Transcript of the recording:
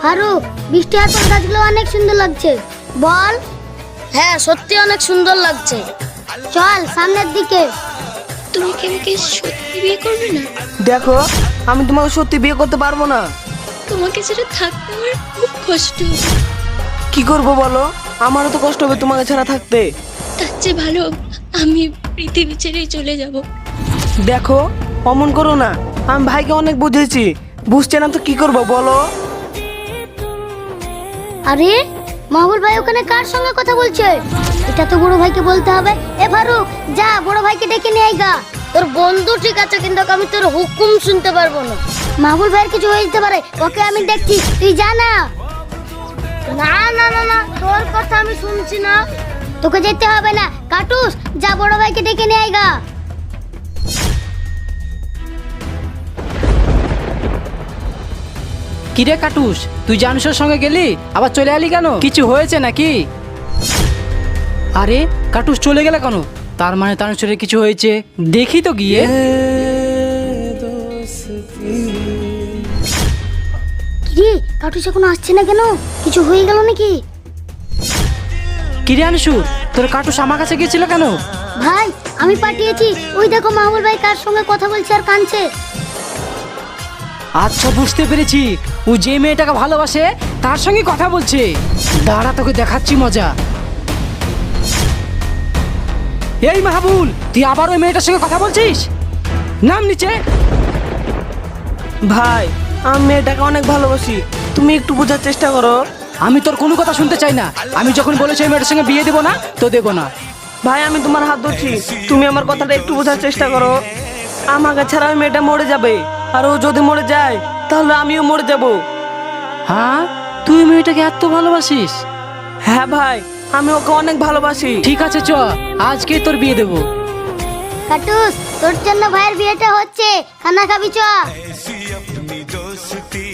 ফারুক, বৃষ্টি হওয়ার পর গাছগুলো অনেক সুন্দর লাগছে। বল। হ্যাঁ, সত্যি অনেক সুন্দর লাগছে। চল সামনের দিকে। তুমি কি আমাকে সত্যি বিয়ে করবে না? দেখো, আমি তোমাকে সত্যি বিয়ে করতে পারবো না। তোমাকে ছাড়া থাকতে আমার খুব কষ্ট হবে। কি করব বলো? আমারও তো কষ্ট হবে তোমাকে ছাড়া থাকতে। তার চেয়ে ভালো আমি পৃথিবী ছেড়েই চলে যাব। দেখো, অমন করো না। আমি ভাইকে অনেক বুঝেছি, বুঝছে না তো কি করব বলো? আরে মাহবুল ভাই ওখানে কার সঙ্গে কথা বলছে? এটা তো বড় ভাইকে বলতে হবে। এ ফারুক, যা বড় ভাইকে ডেকে নিয়ে আয় গা। তোর বন্ধু ঠিক আছে, কিন্তু আমি তোর হুকুম শুনতে পারবো না। মাহবুল ভাইয়ের কিছু হয়ে যেতে পারে, ওকে আমি দেখছি, তুই যা না। না না না না, তোর কথা আমি শুনছি না। তোকে যেতে হবে না, কাটুস যা বড় ভাইকে ডেকে নিয়ে আয় গা। কিরে কাটুস, তুই জানুসের সঙ্গে গেলি আবার চলে এলি কেন? কিছু হয়েছে নাকি? আরে কাটুস চলে গেলে কেন? তার মানে তানুসের কিছু হয়েছে, দেখি তো গিয়ে। কিরে কাটুস এখনো আসছে না কেন? কিছু হয়ে গেল নাকি? কিরে আনসুর, তোর কাটুস আমার কাছে গিয়েছিল কেন? ভাই আমি পাঠিয়েছি, ওই দেখো মাহবুল ভাই কার সঙ্গে কথা বলছে আর কাঁদছে। আচ্ছা বুঝতে পেরেছি, ও যে মেয়েটাকে ভালোবাসে তার সঙ্গে কথা বলছে। দাঁড়া, তোকে দেখাচ্ছি মজা। এই মাহবুল, তুই আবার ওই মেয়েটার সঙ্গে কথা বলছিস? নাম নিচে। ভাই, আমি মেয়েটাকে অনেক ভালোবাসি, তুমি একটু বোঝার চেষ্টা করো। আমি তোর কোনো কথা শুনতে চাই না। আমি যখন বলেছি ওই মেয়েটার সঙ্গে বিয়ে দেবো না, তো দেবো না। ভাই, আমি তোমার হাত ধরছি, তুমি আমার কথাটা একটু বোঝার চেষ্টা করো। আমাকে ছাড়া ওই মেয়েটা মরে যাবে, আর ও যদি মরে যায় তাহলে আমিও মরে যাব। হ্যাঁ, তুই মেয়েটাকে এত ভালোবাসিস? হ্যাঁ ভাই, আমি ওকে অনেক ভালোবাসি। ঠিক আছে, চ আজকে তোর বিয়ে দেবো। কাটুস তোর জন্য ভাইয়ের বিয়েটা হচ্ছে, খানা খাবি চ।